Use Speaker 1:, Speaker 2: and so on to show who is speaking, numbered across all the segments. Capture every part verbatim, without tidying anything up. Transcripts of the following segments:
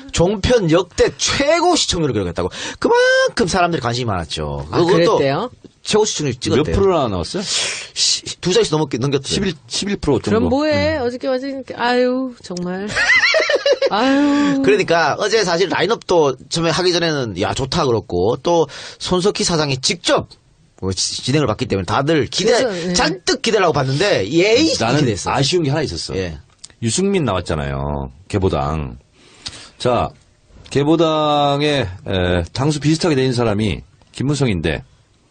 Speaker 1: 종편 역대 최고 시청률을 기록했다고. 그만큼 사람들이 관심이 많았죠.
Speaker 2: 아, 그랬대요?
Speaker 1: 최고 시청률 찍었대요.
Speaker 3: 몇 프로나 나왔어요?
Speaker 1: 시, 두 자릿수 넘게 넘겼대요.
Speaker 3: 십일, 십일 퍼센트 정도.
Speaker 2: 그럼 뭐해? 음. 어저께 어저께 아유 정말. 아유.
Speaker 1: 그러니까 어제 사실 라인업도 처음에 하기 전에는 야 좋다 그렇고 또 손석희 사장이 직접 뭐 진행을 받기 때문에 다들 기대
Speaker 2: 그래서, 네.
Speaker 1: 잔뜩 기대를 하고 봤는데 예의
Speaker 3: 나는
Speaker 1: 기대했어.
Speaker 3: 아쉬운 게 하나 있었어.
Speaker 1: 예.
Speaker 3: 유승민 나왔잖아요. 개보당. 자, 개보당의 에, 당수 비슷하게 된 사람이 김무성인데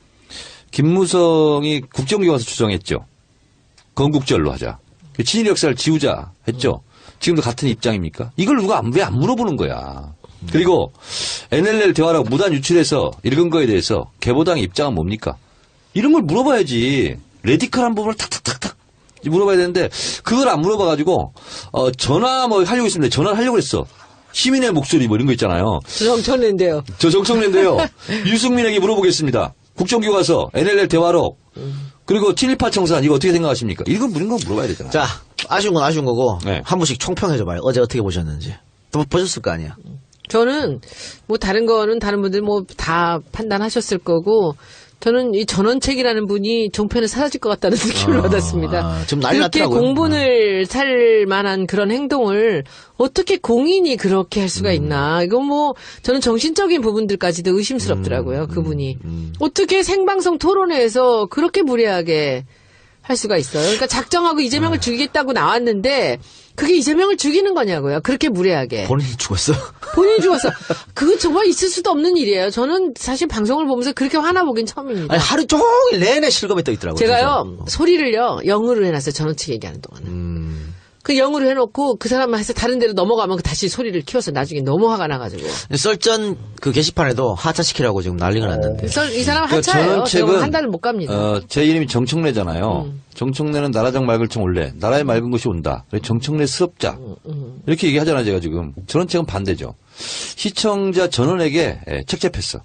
Speaker 3: 김무성이 국정기 와서 추정했죠. 건국절로 하자. 친일 역사를 지우자 했죠. 지금도 같은 입장입니까? 이걸 누가 왜 안 물어보는 거야. 그리고 엔엘엘 대화라고 무단 유출해서 읽은 거에 대해서 개보당의 입장은 뭡니까? 이런 걸 물어봐야지. 레디컬한 부분을 탁탁탁탁 물어봐야 되는데 그걸 안 물어봐가지고 어, 전화 뭐 하려고 했는데 전화를 하려고 했어. 시민의 목소리 뭐 이런 거 있잖아요.
Speaker 2: 저 정청래인데요.
Speaker 3: 저 정청래인데요. 유승민에게 물어보겠습니다. 국정교과서, 엔엘엘 대화록, 그리고 친일파 청산 이거 어떻게 생각하십니까? 이건 이런 거 물어봐야 되잖아요.
Speaker 1: 자, 아쉬운 건 아쉬운 거고
Speaker 3: 네.
Speaker 1: 한 분씩 총평해줘봐요. 어제 어떻게 보셨는지. 또 보셨을 거 아니야.
Speaker 2: 저는 뭐 다른 거는 다른 분들 뭐 다 판단하셨을 거고 저는 이 전원책이라는 분이 종편에 사라질 것 같다는 느낌을
Speaker 1: 아,
Speaker 2: 받았습니다.
Speaker 1: 좀 난리
Speaker 2: 그렇게
Speaker 1: 났더라고요.
Speaker 2: 공분을 살 만한 그런 행동을 어떻게 공인이 그렇게 할 수가 있나. 이건 뭐 저는 정신적인 부분들까지도 의심스럽더라고요.
Speaker 1: 음,
Speaker 2: 그분이.
Speaker 1: 음, 음.
Speaker 2: 어떻게 생방송 토론회에서 그렇게 무례하게 할 수가 있어요. 그러니까 작정하고 이재명을 죽이겠다고 나왔는데 그게 이재명을 죽이는 거냐고요. 그렇게 무례하게.
Speaker 1: 본인이 죽었어.
Speaker 2: 본인이 죽었어. 그거 정말 있을 수도 없는 일이에요. 저는 사실 방송을 보면서 그렇게 화나보긴 처음입니다.
Speaker 1: 아니, 하루 종일 내내 실검에 떠 있더라고요.
Speaker 2: 제가요,
Speaker 1: 진짜.
Speaker 2: 소리를요, 영어로 해놨어요. 전원책 얘기하는 동안은.
Speaker 1: 음.
Speaker 2: 그 영어로 해놓고 그 사람만 해서 다른 데로 넘어가면 다시 소리를 키워서 나중에 너무 화가 나가지고.
Speaker 1: 썰전 그 게시판에도 하차시키라고 지금 난리가 났는데.
Speaker 2: 썰- 이 사람
Speaker 3: 그러니까
Speaker 2: 하차예요.
Speaker 3: 전원책은-
Speaker 2: 지금 한 달을 못 갑니다.
Speaker 3: 어, 제 이름이 정청래잖아요.
Speaker 2: 음.
Speaker 3: 정청래는 나라장 맑을 청 올래. 나라에 맑은 것이 온다. 그래서 정청래스럽자.
Speaker 2: 음,
Speaker 3: 이렇게 얘기하잖아요, 제가 지금. 전원책은 반대죠. 시청자 전원에게 예, 책잡혔어.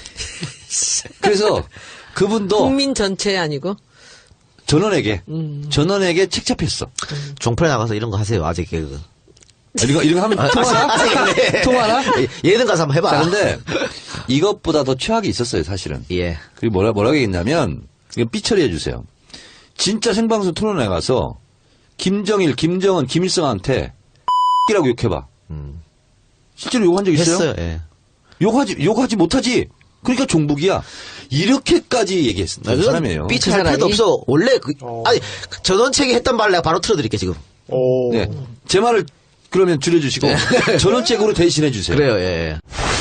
Speaker 3: 그래서 그분도
Speaker 2: 국민 전체 아니고.
Speaker 3: 전원에게
Speaker 2: 음.
Speaker 3: 전원에게 책잡혔어.
Speaker 1: 종편에 나가서 이런 거 하세요. 아재 개그.
Speaker 3: 아, 이거 이런 거 하면 통하나?
Speaker 1: 네.
Speaker 3: 통하나?
Speaker 1: 예능 가서 한번 해봐.
Speaker 3: 자, 근데 이것보다 더 최악이 있었어요, 사실은.
Speaker 1: 예.
Speaker 3: 그리고 뭐라, 뭐라고 얘기했냐면, 이거 삐처리 해주세요. 진짜 생방송 토론회 가서, 김정일, 김정은, 김일성한테, 이라고 욕해봐.
Speaker 1: 음.
Speaker 3: 실제로 욕한 적 있어요?
Speaker 1: 했어요. 예.
Speaker 3: 욕하지, 욕하지 못하지. 그러니까 종북이야. 이렇게까지 얘기했던
Speaker 1: 아, 그건
Speaker 3: 사람이에요.
Speaker 1: 삐쳐할
Speaker 2: 그 사람이?
Speaker 1: 필요도 없어. 원래 그, 아니, 전원책이 했던 말 내가 바로 틀어드릴게, 지금.
Speaker 4: 오.
Speaker 3: 네. 제 말을 그러면 줄여주시고, 전원책으로 대신해주세요.
Speaker 1: 그래요, 예.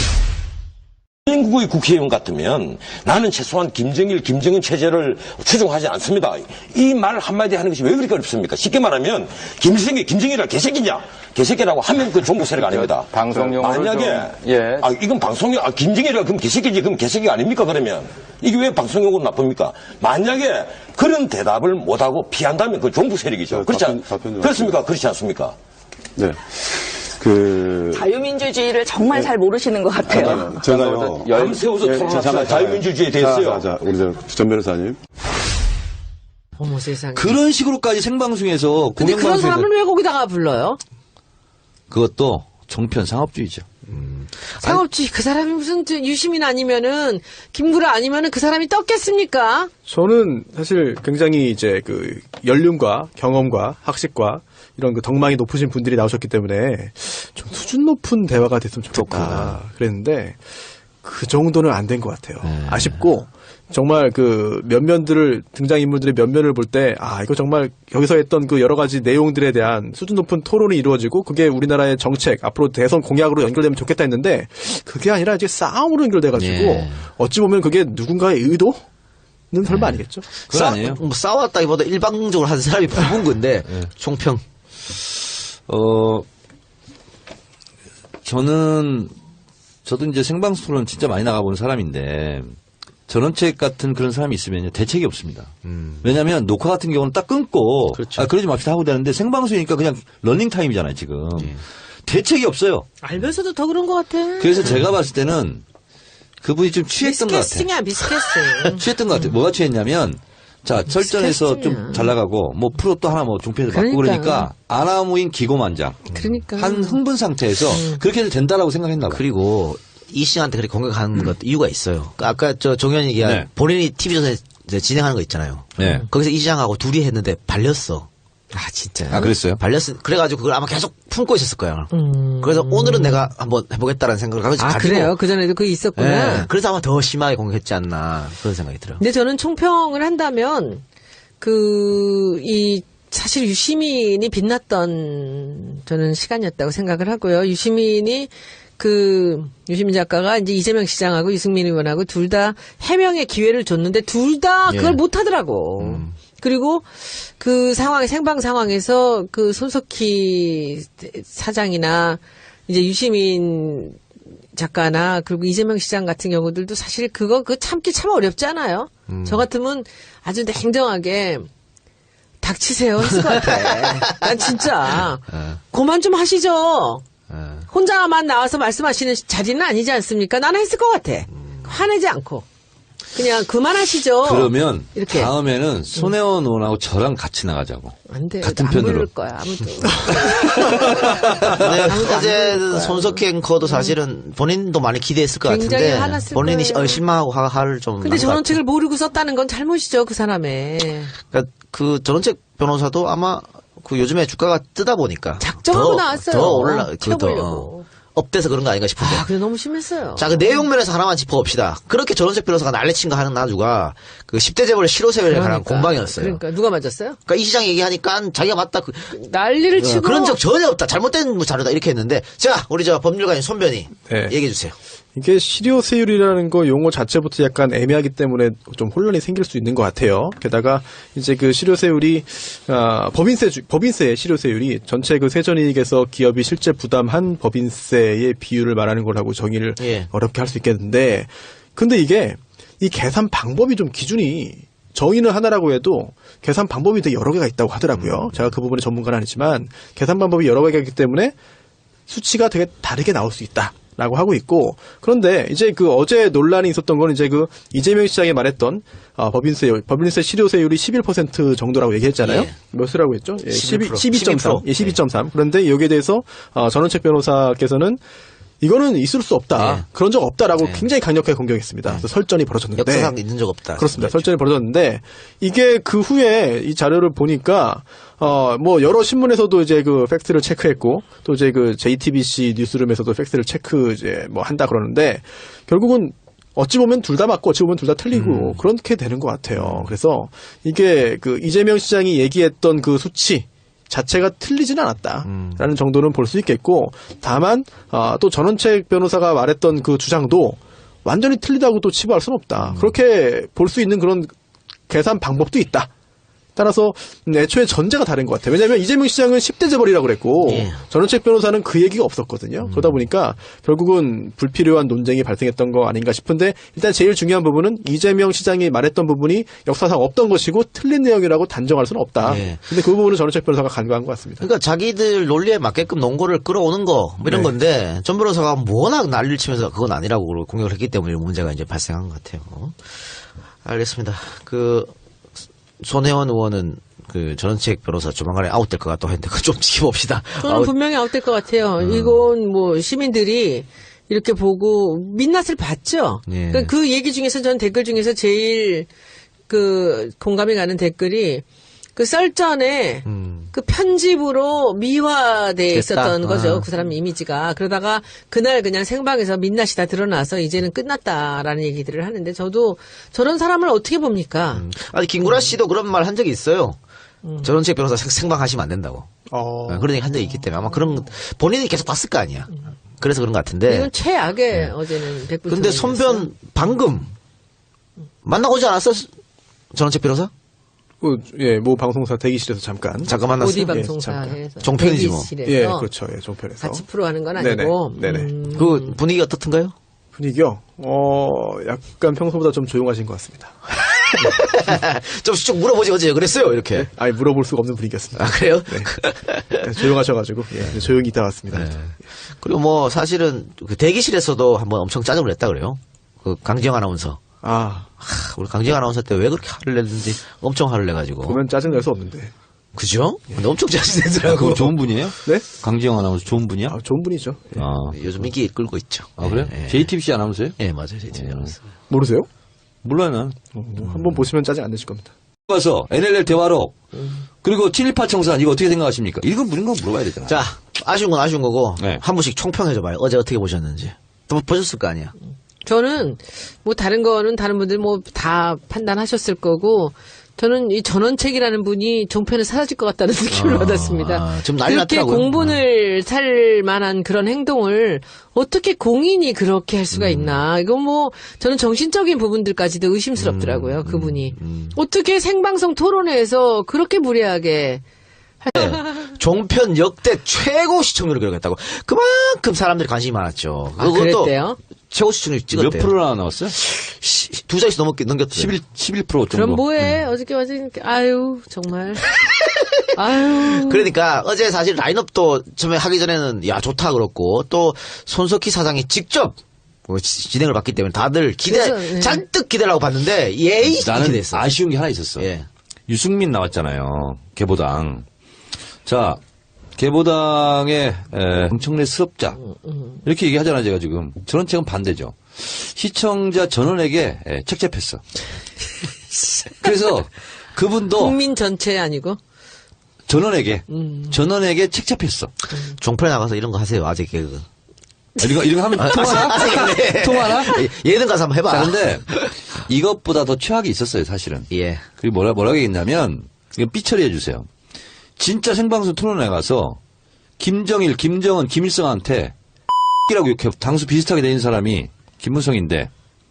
Speaker 5: 대한민국의 국회의원 같으면 나는 최소한 김정일, 김정은 체제를 추종하지 않습니다. 이 말 한마디 하는 것이 왜 그렇게 어렵습니까? 쉽게 말하면 김정일, 김정일이라 개새끼냐? 개새끼라고 하면 그 종북 세력 아닙니다.
Speaker 6: 방송 용어를
Speaker 5: 만약에
Speaker 6: 좀, 예.
Speaker 5: 아 이건 방송용 아 김정일이라 그럼 개새끼지 그럼 개새끼가 아닙니까 그러면 이게 왜 방송 용어로 나쁩니까? 만약에 그런 대답을 못하고 피한다면 그 종북 세력이죠. 그렇지 않,
Speaker 4: 답변- 답변
Speaker 5: 그렇습니까? 그렇지 않습니까?
Speaker 4: 네. 그
Speaker 7: 자유민주주의를 정말 잘 모르시는 것 같아요.
Speaker 4: 잠깐만요. 제가요.
Speaker 5: 밤새워서
Speaker 4: 예,
Speaker 5: 토론합시다.
Speaker 4: 잠깐,
Speaker 5: 자유민주주의에
Speaker 4: 자,
Speaker 5: 대해서요.
Speaker 4: 자, 자, 우리 저 전 변호사님.
Speaker 2: 어머 세상에.
Speaker 3: 그런 식으로까지 생방송에서,
Speaker 2: 근데 그런
Speaker 3: 공영방송에서
Speaker 2: 사람을 왜 거기다가 불러요?
Speaker 3: 그것도 정편 상업주의죠.
Speaker 2: 상업주의 그 사람이 무슨 저 유시민 아니면은 김구라 아니면은 그 사람이 떴겠습니까?
Speaker 8: 저는 사실 굉장히 이제 그 연륜과 경험과 학식과 이런 그 덕망이 높으신 분들이 나오셨기 때문에 좀 수준 높은 대화가 됐으면 좋겠다 그랬는데 그 정도는 안 된 것 같아요. 아쉽고 정말 그 면면들을 등장인물들의 면면을 볼 때 아 이거 정말 여기서 했던 그 여러 가지 내용들에 대한 수준 높은 토론이 이루어지고 그게 우리나라의 정책 앞으로 대선 공약으로 연결되면 좋겠다 했는데 그게 아니라 이제 싸움으로 연결돼가지고
Speaker 1: 예.
Speaker 8: 어찌 보면 그게 누군가의 의도는 설마 아니겠죠?
Speaker 3: 그건
Speaker 1: 싸,
Speaker 3: 아니에요.
Speaker 1: 뭐 싸웠다기보다 일방적으로 한 사람이 부은 건데, 총평.
Speaker 3: 어, 저는, 저도 이제 생방송 토론 진짜 많이 나가보는 사람인데, 전원책 같은 그런 사람이 있으면 대책이 없습니다.
Speaker 1: 음.
Speaker 3: 왜냐하면 녹화 같은 경우는 딱 끊고,
Speaker 1: 그렇죠.
Speaker 3: 아, 그러지 맙시다 하고 되는데 생방송이니까 그냥 러닝 타임이잖아요, 지금.
Speaker 1: 예.
Speaker 3: 대책이 없어요.
Speaker 2: 알면서도 더 그런 것 같아.
Speaker 3: 그래서 제가 봤을 때는 그분이 좀 취했던 것 같아요.
Speaker 2: 미스캐스팅이야 미스캐스팅.
Speaker 3: 취했던 것 같아요. 뭐가 취했냐면 자, 설전에서 좀
Speaker 2: 스트레스냐.
Speaker 3: 잘 나가고, 뭐, 프로 또 하나 뭐, 종편에서 받고
Speaker 2: 그러니까.
Speaker 3: 그러니까, 아나무인 기고만장.
Speaker 2: 그러니까.
Speaker 3: 한 흥분 상태에서 그렇게 해도 된다라고 생각했나 봐.
Speaker 1: 그리고 이씨한테 그렇게 공격하는 것도 이유가 있어요. 그러니까 아까 저 종현이 얘기한
Speaker 3: 네.
Speaker 1: 본인이 티비조선에 이제 진행하는 거 있잖아요.
Speaker 3: 네.
Speaker 1: 거기서 이시장하고 둘이 했는데 발렸어.
Speaker 2: 아, 진짜.
Speaker 3: 아, 그랬어요?
Speaker 1: 발렸어. 그래가지고 그걸 아마 계속 품고 있었을 거야.
Speaker 2: 음.
Speaker 1: 그래서 오늘은 내가 한번 해보겠다는 생각을 가지고.
Speaker 2: 아, 그래요? 그전에도 그게 있었구나.
Speaker 1: 예. 그래서 아마 더 심하게 공격했지 않나 그런 생각이 들어요.
Speaker 2: 근데 저는 총평을 한다면, 그, 이, 사실 유시민이 빛났던 저는 시간이었다고 생각을 하고요. 유시민이 그, 유시민 작가가 이제 이재명 시장하고 유승민 의원하고 둘 다 해명의 기회를 줬는데 둘 다 그걸
Speaker 1: 예.
Speaker 2: 못 하더라고. 그리고 그 상황, 생방 상황에서 그 손석희 사장이나 이제 유시민 작가나 그리고 이재명 시장 같은 경우들도 사실 그거 그 참기 참 어렵지 않아요? 저 같으면 아주 냉정하게 닥치세요 했을 것 같아. 난 진짜 그만 좀 하시죠. 혼자만 나와서 말씀하시는 자리는 아니지 않습니까? 나는 했을 것 같아. 화내지 않고. 그냥 그만하시죠.
Speaker 3: 그러면
Speaker 2: 이렇게.
Speaker 3: 다음에는 손혜원 의원하고 저랑 같이 나가자고.
Speaker 2: 안 돼.
Speaker 3: 같은
Speaker 2: 안
Speaker 3: 편으로.
Speaker 2: 부를 거야, 아무도.
Speaker 1: 근데
Speaker 2: 아무도 안
Speaker 1: 어제
Speaker 2: 부를 거야.
Speaker 1: 손석희 앵커도 사실은 본인도 많이 기대했을 것
Speaker 2: 굉장히
Speaker 1: 같은데
Speaker 2: 화났을
Speaker 1: 본인이
Speaker 2: 거예요.
Speaker 1: 어, 실망하고 화- 화를 좀.
Speaker 2: 근데
Speaker 1: 난것 같아요.
Speaker 2: 전원책을 모르고 썼다는 건 잘못이죠, 그 사람의.
Speaker 1: 그러니까 그 전원책 변호사도 아마 그 요즘에 주가가 뜨다 보니까
Speaker 2: 작정하고
Speaker 1: 더,
Speaker 2: 나왔어요.
Speaker 1: 더 올라 그더
Speaker 2: 튀어보려고.
Speaker 1: 업돼서 그런 거 아닌가 싶은데.
Speaker 2: 아, 그래 너무 심했어요.
Speaker 1: 자, 그 내용 면에서 하나만 짚어봅시다. 그렇게 전원책 변호사가 난리친 거 하는 나주가 그 십 대 재벌 실효세율에 관한
Speaker 2: 그러니까.
Speaker 1: 공방이었어요. 그러니까.
Speaker 2: 그러니까 누가 맞았어요?
Speaker 1: 이 시장 얘기하니까 자기가 맞다. 그,
Speaker 2: 난리를
Speaker 1: 어,
Speaker 2: 치고.
Speaker 1: 그런 적 전혀 없다. 잘못된 자료다. 이렇게 했는데. 자, 우리 저 법률가인 손변이
Speaker 8: 네.
Speaker 1: 얘기해 주세요.
Speaker 8: 이게 실효세율이라는 거 용어 자체부터 약간 애매하기 때문에 좀 혼란이 생길 수 있는 것 같아요. 게다가 이제 그 실효세율이 아, 법인세 주- 법인세의 실효세율이 전체 그 세전이익에서 기업이 실제 부담한 법인세의 비율을 말하는 거라고 정의를
Speaker 1: 예.
Speaker 8: 어렵게 할 수 있겠는데, 근데 이게 이 계산 방법이 좀 기준이 정의는 하나라고 해도 계산 방법이 되게 여러 개가 있다고 하더라고요. 제가 그 부분에 전문가는 아니지만 계산 방법이 여러 개가 있기 때문에 수치가 되게 다르게 나올 수 있다. 라고 하고 있고, 그런데 이제 그 어제 논란이 있었던 건 이제 그 이재명 시장이 말했던 아, 법인세, 법인세 실효세율이 십일 퍼센트 정도라고 얘기했잖아요.
Speaker 1: 예.
Speaker 8: 몇이라고 했죠? 예,
Speaker 1: 십일 퍼센트.
Speaker 8: 십이 점 삼. 예, 십이 점 삼. 그런데 여기에 대해서 어, 전원책 변호사께서는 이거는 있을 수 없다.
Speaker 1: 예.
Speaker 8: 그런 적 없다라고
Speaker 1: 예.
Speaker 8: 굉장히 강력하게 공격했습니다. 그래서 설전이 벌어졌는데.
Speaker 1: 역사상 있는 적 없다.
Speaker 8: 그렇습니다. 설전이 벌어졌는데 이게 그 후에 이 자료를 보니까 어 뭐 여러 신문에서도 이제 그 팩트를 체크했고 또 이제 그 제이티비씨 뉴스룸에서도 팩트를 체크 이제 뭐 한다 그러는데 결국은 어찌 보면 둘 다 맞고 어찌 보면 둘 다 틀리고 그렇게 되는 것 같아요. 그래서 이게 그 이재명 시장이 얘기했던 그 수치 자체가 틀리지는 않았다라는 정도는 볼 수 있겠고, 다만 아, 또 전원책 변호사가 말했던 그 주장도 완전히 틀리다고 또 치부할 수는 없다. 그렇게 볼 수 있는 그런 계산 방법도 있다. 따라서 애초에 전제가 다른 것 같아요. 왜냐하면 이재명 시장은 십 대 재벌이라고 그랬고
Speaker 1: 예.
Speaker 8: 전원책 변호사는 그 얘기가 없었거든요. 그러다 보니까 결국은 불필요한 논쟁이 발생했던 거 아닌가 싶은데, 일단 제일 중요한 부분은 이재명 시장이 말했던 부분이 역사상 없던 것이고 틀린 내용이라고 단정할 수는 없다.
Speaker 1: 예.
Speaker 8: 근데 그 부분은 전원책 변호사가 간과한 것 같습니다.
Speaker 1: 그러니까 자기들 논리에 맞게끔 논거를 끌어오는 거, 뭐 이런
Speaker 8: 네.
Speaker 1: 건데, 전 변호사가 워낙 난리를 치면서 그건 아니라고 공격을 했기 때문에 문제가 이제 발생한 것 같아요. 알겠습니다. 그, 손혜원 의원은 그 전원책 변호사 조만간에 아웃될 것 같다고 했는데, 그거 좀 지켜봅시다.
Speaker 2: 저는
Speaker 1: 아웃-
Speaker 2: 분명히 아웃될 것 같아요.
Speaker 1: 음.
Speaker 2: 이건 뭐 시민들이 이렇게 보고 민낯을 봤죠.
Speaker 1: 예.
Speaker 2: 그러니까 그 얘기 중에서 전 댓글 중에서 제일 그 공감이 가는 댓글이 그 썰전에
Speaker 1: 음.
Speaker 2: 그 편집으로 미화돼
Speaker 1: 됐다.
Speaker 2: 있었던 거죠.
Speaker 1: 아.
Speaker 2: 그 사람 이미지가. 그러다가 그날 그냥 생방에서 민낯이 다 드러나서 이제는 끝났다라는 얘기들을 하는데, 저도 저런 사람을 어떻게 봅니까?
Speaker 1: 아니, 김구라 씨도 그런 말 한 적이 있어요. 전원책 변호사 생- 생방하시면 안 된다고.
Speaker 8: 어...
Speaker 1: 아, 그런 얘기 한 적이 있기 때문에 아마 그런, 본인이 계속 봤을 거 아니야. 그래서 그런 것 같은데.
Speaker 2: 이건 최악의 어제는 백분.
Speaker 1: 근데 손변 방금 만나고 오지 않았어? 전원책 변호사?
Speaker 8: 그, 예, 모 방송사 대기실에서 잠깐.
Speaker 1: 잠깐 만났어.
Speaker 2: 오디
Speaker 8: 예,
Speaker 2: 방송사에서
Speaker 1: 종편이지 뭐.
Speaker 2: 대기실에서
Speaker 8: 예, 그렇죠. 예, 종편에서.
Speaker 2: 같이 프로 하는 건
Speaker 8: 네네,
Speaker 2: 아니고.
Speaker 8: 네네.
Speaker 2: 음,
Speaker 1: 그 분위기 어떻던가요?
Speaker 8: 분위기요? 어, 약간 평소보다 좀 조용하신 것 같습니다.
Speaker 1: 좀 쭉 물어보지 어제 그랬어요 이렇게.
Speaker 8: 아예 물어볼 수가 없는 분위기였습니다.
Speaker 1: 아 그래요?
Speaker 8: 네, 조용하셔가지고, 예, 조용히 있다 왔습니다.
Speaker 1: 네. 그리고 뭐 사실은 그 대기실에서도 한번 엄청 짜증을 냈다 그래요. 그 강지영 아나운서.
Speaker 8: 아,
Speaker 1: 하, 우리 강지영 아나운서 때 왜 그렇게 화를 냈는지 엄청 화를 내가지고.
Speaker 8: 보면 짜증날 수 없는데.
Speaker 1: 그죠? 근데 엄청 짜증내더라고.
Speaker 3: 그거 좋은 분이에요?
Speaker 8: 네?
Speaker 3: 강지영 아나운서 좋은 분이야?
Speaker 8: 아, 좋은 분이죠. 예.
Speaker 3: 아,
Speaker 1: 요즘 인기 끌고 있죠.
Speaker 3: 아 그래?
Speaker 1: 예, 예.
Speaker 3: 제이티비씨 아나운서예요?
Speaker 1: 예, 맞아요. 제이티비 아나운서.
Speaker 8: 모르세요?
Speaker 3: 몰라요, 난.
Speaker 8: 어, 한번 보시면 짜증 안 내실 겁니다.
Speaker 3: 가서 엔엘엘 대화록 그리고 친일파 청산 이거 어떻게 생각하십니까? 이건 무슨 거 물어봐야 되잖아.
Speaker 1: 자, 아쉬운 건 아쉬운 거고,
Speaker 3: 네.
Speaker 1: 한 분씩 총평해줘봐요. 어제 어떻게 보셨는지. 또 보셨을 거 아니야.
Speaker 2: 저는 뭐 다른 거는 다른 분들 뭐 다 판단하셨을 거고 저는 이 전원책이라는 분이 종편에 사라질 것 같다는 느낌을
Speaker 1: 아,
Speaker 2: 받았습니다.
Speaker 1: 지금 난리
Speaker 2: 그렇게
Speaker 1: 났더라고요.
Speaker 2: 공분을 살 만한 그런 행동을 어떻게 공인이 그렇게 할 수가 있나. 이건 뭐 저는 정신적인 부분들까지도 의심스럽더라고요. 그분이. 어떻게 생방송 토론회에서 그렇게 무례하게
Speaker 1: 네. 종편 역대 최고 시청률을 기록했다고. 그만큼 사람들이 관심이 많았죠.
Speaker 2: 아, 그랬대요?
Speaker 1: 최고 시청률 찍었대요.
Speaker 3: 몇 프로나 나왔어요?
Speaker 1: 시- 두 자릿수 넘게 넘겼대요.
Speaker 3: 십일, 십일 퍼센트 정도.
Speaker 2: 그럼 뭐해? 어저께 어제 아유 정말 아유
Speaker 1: 그러니까 어제 사실 라인업도 처음에 하기 전에는 야 좋다 그렇고 또 손석희 사장이 직접 뭐 지- 진행을 받기 때문에 다들 기대
Speaker 2: 그래서, 네.
Speaker 1: 잔뜩 기대를 하고 봤는데 예의
Speaker 3: 나는
Speaker 1: 기대했어.
Speaker 3: 아쉬운 게 하나 있었어.
Speaker 1: 예.
Speaker 3: 유승민 나왔잖아요. 개보당. 자, 개보당의 에, 엄청난 수업자 이렇게 얘기하잖아요. 제가 지금 저런 책은 반대죠. 시청자 전원에게 에, 책 잡혔어. 그래서 그분도
Speaker 2: 국민 전체 아니고
Speaker 3: 전원에게 전원에게 책 잡혔어.
Speaker 1: 종편에 나가서 이런 거 하세요. 아재 개그.
Speaker 3: 이런 거 이런 거 하면 통하나?
Speaker 1: 네.
Speaker 3: 통하나?
Speaker 1: 예능 가서 한번 해봐.
Speaker 3: 자, 근데 이것보다 더 최악이 있었어요, 사실은.
Speaker 1: 예.
Speaker 3: 그게 뭐라, 뭐라고 했냐면, 이거 삐처리해 주세요. 진짜 생방송 토론회 가서, 김정일, 김정은, 김일성한테, 이라고 이렇게 당수 비슷하게 된 사람이 김무성인데,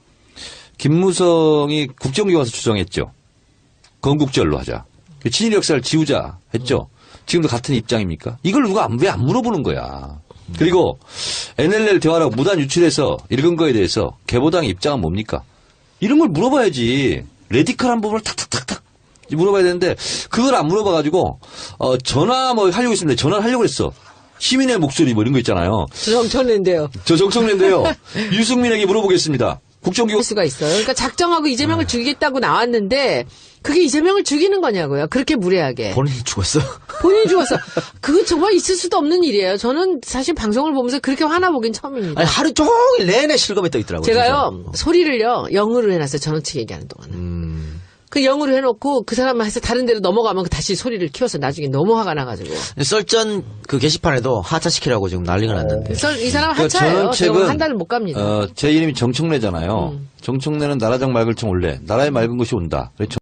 Speaker 3: 김무성이 국정기 와서 주장했죠. 건국절로 하자. 친일 역사를 지우자 했죠. 지금도 같은 입장입니까? 이걸 누가 왜 안 물어보는 거야. 그리고 엔엘엘 대화라고 무단 유출해서 읽은 거에 대해서 개보당의 입장은 뭡니까? 이런 걸 물어봐야지. 레디컬한 부분을 탁탁탁탁 물어봐야 되는데 그걸 안 물어봐가지고 어, 전화 뭐 하려고 했는데 전화를 하려고 했어. 시민의 목소리 뭐 이런 거 있잖아요.
Speaker 2: 정청래인데요.
Speaker 3: 저 정청래인데요. 유승민에게 물어보겠습니다. 국정기획
Speaker 2: 할 수가 있어요. 그러니까 작정하고 이재명을 죽이겠다고 나왔는데 그게 이재명을 죽이는 거냐고요. 그렇게 무례하게.
Speaker 1: 본인이 죽었어.
Speaker 2: 본인이 죽었어. 그거 정말 있을 수도 없는 일이에요. 저는 사실 방송을 보면서 그렇게 화나보긴 처음입니다.
Speaker 1: 아니 하루 종일 내내 실검에 떠 있더라고요.
Speaker 2: 제가요
Speaker 1: 진짜.
Speaker 2: 소리를요 영어로 해놨어요. 전원측 얘기하는 동안은.
Speaker 1: 음.
Speaker 2: 그 영어로 해놓고 그 사람만 해서 다른 데로 넘어가면 다시 소리를 키워서 나중에 너무 화가 나가지고.
Speaker 1: 썰전 그 게시판에도 하차시키라고 지금 난리가 났는데.
Speaker 2: 그래서 이 사람
Speaker 3: 그
Speaker 2: 하차예요.
Speaker 3: 전원책은-
Speaker 2: 제가 한 달을 못 갑니다.
Speaker 3: 어, 제 이름이 정청래잖아요.
Speaker 2: 음.
Speaker 3: 정청래는 나라장 맑을 청 올래. 나라에 맑은 것이 온다. 그래서